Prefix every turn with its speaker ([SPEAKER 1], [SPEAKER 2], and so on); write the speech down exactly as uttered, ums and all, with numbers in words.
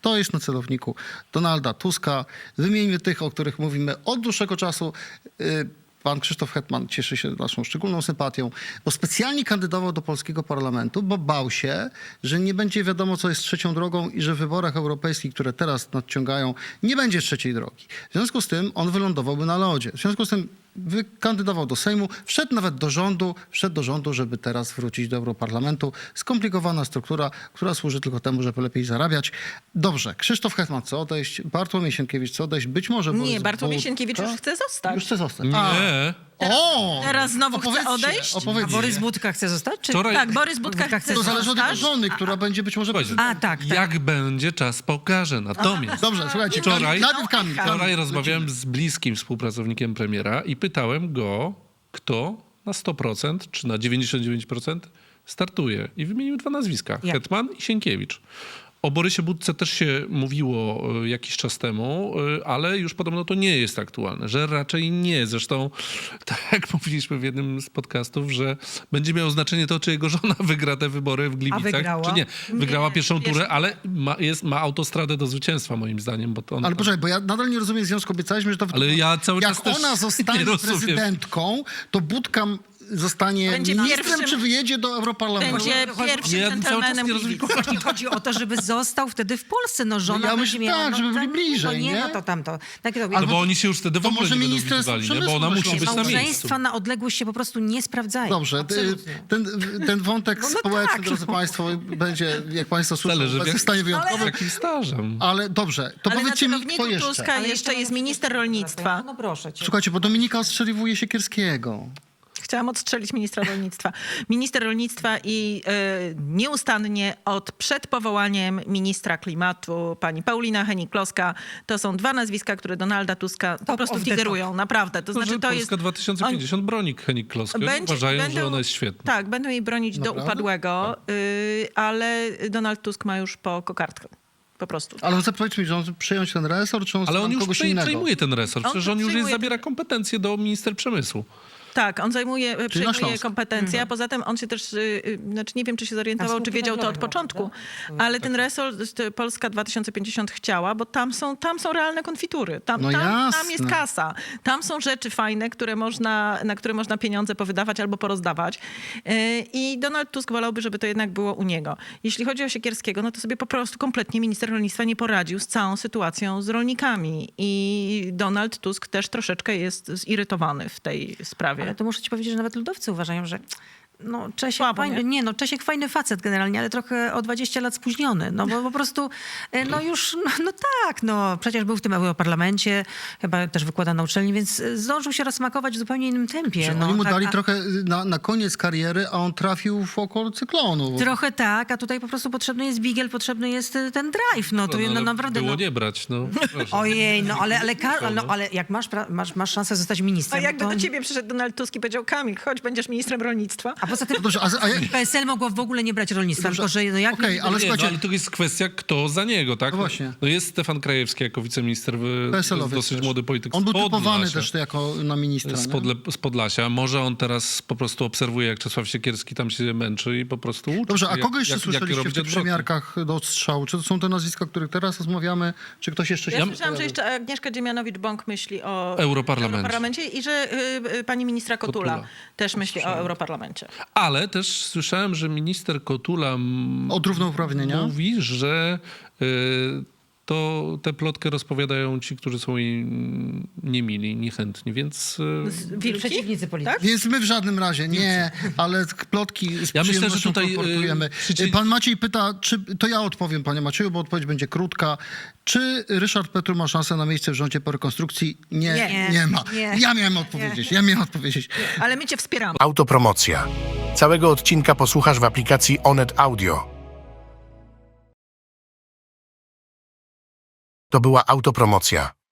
[SPEAKER 1] stoisz na celowniku Donalda Tuska. Wymieńmy tych, o których mówimy od dłuższego czasu. Pan Krzysztof Hetman cieszy się naszą szczególną sympatią, bo specjalnie kandydował do polskiego parlamentu, bo bał się, że nie będzie wiadomo, co jest trzecią drogą i że w wyborach europejskich, które teraz nadciągają, nie będzie trzeciej drogi. W związku z tym on wylądowałby na lodzie. W związku z tym kandydował do Sejmu, wszedł nawet do rządu, wszedł do rządu, żeby teraz wrócić do Europarlamentu. Skomplikowana struktura, która służy tylko temu, żeby lepiej zarabiać. Dobrze, Krzysztof Hetman chce odejść, Bartłomiej Sienkiewicz chce odejść, być może...
[SPEAKER 2] Nie, Bartłomiej Sienkiewicz już chce zostać.
[SPEAKER 1] Już chce zostać.
[SPEAKER 3] Nie.
[SPEAKER 1] A. O!
[SPEAKER 2] Teraz znowu chce
[SPEAKER 1] Opowiedzcie,
[SPEAKER 2] odejść?
[SPEAKER 4] A
[SPEAKER 1] opowiedzcie.
[SPEAKER 4] Borys Budka chce zostać? Czy...
[SPEAKER 3] Wczoraj-
[SPEAKER 2] Tak, Borys Budka
[SPEAKER 4] Budka
[SPEAKER 2] chce
[SPEAKER 4] chce
[SPEAKER 1] To zależy od jego
[SPEAKER 2] zostać.
[SPEAKER 1] żony, która będzie być może...
[SPEAKER 3] Słuchajcie,
[SPEAKER 4] A, tak, tak.
[SPEAKER 3] Jak będzie, czas pokaże. Natomiast
[SPEAKER 1] Dobrze, słuchajcie,
[SPEAKER 3] Wczoraj-
[SPEAKER 1] najpierw Kamil.
[SPEAKER 3] wczoraj
[SPEAKER 1] Kamil,
[SPEAKER 3] rozmawiałem z bliskim współpracownikiem premiera i pytałem go, kto na sto procent czy na dziewięćdziesiąt dziewięć procent startuje. I wymienił dwa nazwiska.
[SPEAKER 4] Jak?
[SPEAKER 3] Hetman i Sienkiewicz. O Borysie Budce też się mówiło e, jakiś czas temu, e, ale już podobno to nie jest aktualne, że raczej nie. Zresztą, tak jak mówiliśmy w jednym z podcastów, że będzie miało znaczenie to, czy jego żona wygra te wybory w Gliwicach,
[SPEAKER 4] wygrała?
[SPEAKER 3] czy nie. Wygrała
[SPEAKER 2] Nie,
[SPEAKER 3] pierwszą
[SPEAKER 2] pierwszą
[SPEAKER 3] turę, ale ma, jest, ma autostradę do zwycięstwa moim zdaniem. Bo to on,
[SPEAKER 1] Ale poczekaj, bo ja nadal nie rozumiem związku. Obiecaliśmy, że to...
[SPEAKER 3] Ale ja cały
[SPEAKER 1] Jak
[SPEAKER 3] czas też
[SPEAKER 1] ona
[SPEAKER 3] nie
[SPEAKER 1] zostanie
[SPEAKER 3] rozumiem.
[SPEAKER 1] prezydentką, to Budka zostanie
[SPEAKER 2] Będzie
[SPEAKER 1] ministrem,
[SPEAKER 2] pierwszym-
[SPEAKER 1] czy wyjedzie do Europarlamentu?
[SPEAKER 2] Będzie
[SPEAKER 4] Chodzi-
[SPEAKER 2] pierwszym
[SPEAKER 3] Nie, ja cały czas
[SPEAKER 2] dżentelmenem
[SPEAKER 3] nie rozumiem,
[SPEAKER 2] Gliwic.
[SPEAKER 4] Chodzi, chodzi o to, żeby został wtedy w Polsce. No żona
[SPEAKER 1] No ja
[SPEAKER 4] będzie
[SPEAKER 1] myślę,
[SPEAKER 4] miała...
[SPEAKER 1] tak, żeby byli
[SPEAKER 4] no,
[SPEAKER 1] bliżej,
[SPEAKER 4] no nie?
[SPEAKER 1] nie?
[SPEAKER 4] No to tamto. Takie to,
[SPEAKER 3] No bo oni się już wtedy w
[SPEAKER 1] to
[SPEAKER 3] ogóle
[SPEAKER 1] może
[SPEAKER 3] nie będą
[SPEAKER 1] Ministerstwo
[SPEAKER 3] widywali, nie? Bo ona
[SPEAKER 1] Przemysłu
[SPEAKER 3] musi być na miejscu.
[SPEAKER 4] Małżeństwa na odległość się po prostu nie sprawdzają.
[SPEAKER 1] Dobrze,
[SPEAKER 4] Absolutnie.
[SPEAKER 1] ten, ten wątek
[SPEAKER 4] No, no
[SPEAKER 1] społeczny,
[SPEAKER 4] tak,
[SPEAKER 1] drodzy
[SPEAKER 4] no.
[SPEAKER 1] Państwo, będzie, jak Państwo słyszą,
[SPEAKER 3] Zależy, w
[SPEAKER 1] w
[SPEAKER 3] jak-
[SPEAKER 1] stanie
[SPEAKER 3] Z
[SPEAKER 1] wyjątkowym.
[SPEAKER 3] jakim stażem?
[SPEAKER 1] Ale dobrze, to
[SPEAKER 2] Ale na
[SPEAKER 1] powiedzcie mi, kto
[SPEAKER 2] celowniku
[SPEAKER 1] jeszcze?
[SPEAKER 2] Tuska
[SPEAKER 4] Ale
[SPEAKER 2] jeszcze jest
[SPEAKER 4] mamy
[SPEAKER 2] minister
[SPEAKER 4] wszystko.
[SPEAKER 2] rolnictwa.
[SPEAKER 4] No proszę cię.
[SPEAKER 1] Słuchajcie, bo Dominika ostrzeliwuje Siekierskiego.
[SPEAKER 2] Chciałam odstrzelić ministra rolnictwa. Minister rolnictwa i y, nieustannie od przed powołaniem ministra klimatu, pani Paulina Hennig-Kloska, to są dwa nazwiska, które Donalda Tuska po
[SPEAKER 4] Top
[SPEAKER 2] prostu
[SPEAKER 4] of the
[SPEAKER 2] figerują. Naprawdę. To
[SPEAKER 3] To,
[SPEAKER 2] znaczy
[SPEAKER 3] że
[SPEAKER 2] to
[SPEAKER 3] Polska
[SPEAKER 2] jest...
[SPEAKER 3] dwa tysiące pięćdziesiąt broni Hennig-Kloskę.
[SPEAKER 2] Będzie-
[SPEAKER 3] Uważają,
[SPEAKER 2] będą-
[SPEAKER 3] że ona jest świetna.
[SPEAKER 2] Tak, będą jej bronić do
[SPEAKER 1] Naprawdę?
[SPEAKER 2] upadłego, y, ale Donald Tusk ma już po kokardkę. Po prostu.
[SPEAKER 1] Ale chcę powiedzieć mi, że on chce przejąć ten resort, czy on
[SPEAKER 3] Ale
[SPEAKER 1] chce
[SPEAKER 3] on już
[SPEAKER 1] kogoś
[SPEAKER 3] przej-
[SPEAKER 1] innego?
[SPEAKER 3] przejmuje ten resort.
[SPEAKER 2] On
[SPEAKER 3] Przecież on już jest,
[SPEAKER 2] przejmuje
[SPEAKER 3] zabiera kompetencje do minister przemysłu.
[SPEAKER 2] Tak, on zajmuje,
[SPEAKER 1] na
[SPEAKER 2] przejmuje
[SPEAKER 1] Śląsk.
[SPEAKER 2] kompetencje, a poza tym on się też, y, y, znaczy nie wiem, czy się zorientował,
[SPEAKER 4] A
[SPEAKER 2] czy
[SPEAKER 4] spółki
[SPEAKER 2] wiedział to od
[SPEAKER 4] węglowe
[SPEAKER 2] początku,
[SPEAKER 4] może, tak?
[SPEAKER 2] ale ten resort y, Polska dwa tysiące pięćdziesiąt chciała, bo tam są, tam są realne konfitury, tam,
[SPEAKER 1] No
[SPEAKER 2] tam, tam
[SPEAKER 1] jasne.
[SPEAKER 2] jest kasa, tam są rzeczy fajne, które można, na które można pieniądze powydawać albo porozdawać. Y, I Donald Tusk wolałby, żeby to jednak było u niego. Jeśli chodzi o Siekierskiego, no to sobie po prostu kompletnie minister rolnictwa nie poradził z całą sytuacją z rolnikami i Donald Tusk też troszeczkę jest zirytowany w tej sprawie.
[SPEAKER 4] Ale to muszę ci powiedzieć, że nawet ludowcy uważają, że no Czesiek
[SPEAKER 2] Słabo,
[SPEAKER 4] fajny,
[SPEAKER 2] nie?
[SPEAKER 4] nie? no Czesiek fajny facet generalnie, ale trochę o dwadzieścia lat spóźniony. No bo po prostu, e, no już, no, no tak, no przecież był w tym Europarlamencie, chyba też wykłada na uczelni, więc e, zdążył się rozsmakować w zupełnie innym tempie.
[SPEAKER 1] Że
[SPEAKER 4] No,
[SPEAKER 1] oni mu
[SPEAKER 4] tak,
[SPEAKER 1] dali
[SPEAKER 4] a-
[SPEAKER 1] trochę na, na koniec kariery, a on trafił w oko cyklonu.
[SPEAKER 4] Trochę tak, a tutaj po prostu potrzebny jest bigiel, potrzebny jest e, ten drive. No to
[SPEAKER 3] No,
[SPEAKER 4] no,
[SPEAKER 3] ale
[SPEAKER 4] naprawdę...
[SPEAKER 3] było
[SPEAKER 4] No,
[SPEAKER 3] nie brać, no. Proszę.
[SPEAKER 4] ojej, no ale, ale, Karol, no, ale jak masz, pra- masz, masz szansę zostać
[SPEAKER 2] A
[SPEAKER 4] ministrem,
[SPEAKER 2] jakby
[SPEAKER 4] to...
[SPEAKER 2] do ciebie przyszedł Donald Tusk i powiedział, Kamil, chodź, będziesz ministrem rolnictwa.
[SPEAKER 4] A poza tym
[SPEAKER 1] Dobrze, a, a jak...
[SPEAKER 4] P S L mogło w ogóle nie brać rolnictwa,
[SPEAKER 1] Dobrze.
[SPEAKER 4] tylko że no jak...
[SPEAKER 1] Okej, ale
[SPEAKER 3] Nie, no,
[SPEAKER 1] słuchajcie,
[SPEAKER 3] ale to jest kwestia, kto za niego, tak?
[SPEAKER 1] No właśnie.
[SPEAKER 3] No jest Stefan Krajewski jako wiceminister, w-
[SPEAKER 1] P S L-owiec
[SPEAKER 3] dosyć
[SPEAKER 1] też.
[SPEAKER 3] młody polityk
[SPEAKER 1] On
[SPEAKER 3] z
[SPEAKER 1] był typowany
[SPEAKER 3] Podlasia.
[SPEAKER 1] też jako na ministra.
[SPEAKER 3] Z,
[SPEAKER 1] nie?
[SPEAKER 3] Podle, z Podlasia. Może on teraz po prostu obserwuje, jak Czesław Siekierski tam się męczy i po prostu uczy.
[SPEAKER 1] Dobrze, a
[SPEAKER 3] jak-
[SPEAKER 1] kogo jeszcze
[SPEAKER 3] jak- jak
[SPEAKER 1] słyszeliście
[SPEAKER 3] robić
[SPEAKER 1] w tych
[SPEAKER 3] odwrotnie.
[SPEAKER 1] przymiarkach do odstrzału? Czy to są te nazwiska, o których teraz rozmawiamy, czy ktoś jeszcze się...
[SPEAKER 2] Ja słyszałam, że jeszcze Agnieszka Dziemianowicz-Bąk myśli o
[SPEAKER 3] Europarlamencie.
[SPEAKER 2] Europarlamencie i że y, y, pani ministra Kotula,
[SPEAKER 3] Kotula.
[SPEAKER 2] też myśli o Europarlamencie.
[SPEAKER 3] Ale też słyszałem, że minister Kotula m-
[SPEAKER 1] Od równouprawnienia?
[SPEAKER 3] mówi, że y, to tę plotkę rozpowiadają ci, którzy są jej mm, niemili, niechętni, więc... y,
[SPEAKER 2] Wilki?
[SPEAKER 4] Przeciwnicy polityczni.
[SPEAKER 2] Tak?
[SPEAKER 1] Więc my w żadnym razie, nie, ale plotki z
[SPEAKER 3] Ja myślę, że
[SPEAKER 1] przyjemnością
[SPEAKER 3] tutaj, y,
[SPEAKER 1] kolportujemy.
[SPEAKER 3] przyci-
[SPEAKER 1] Pan Maciej pyta, czy, to ja odpowiem, panie Macieju, bo odpowiedź będzie krótka. Czy Ryszard Petru ma szansę na miejsce w rządzie po rekonstrukcji? Nie, nie,
[SPEAKER 4] Nie.
[SPEAKER 1] ma.
[SPEAKER 4] Nie.
[SPEAKER 1] Ja miałem odpowiedzieć, ja miałem odpowiedzieć.
[SPEAKER 2] Ale my cię wspieramy.
[SPEAKER 5] Autopromocja. Całego odcinka posłuchasz w aplikacji Onet Audio. To była autopromocja.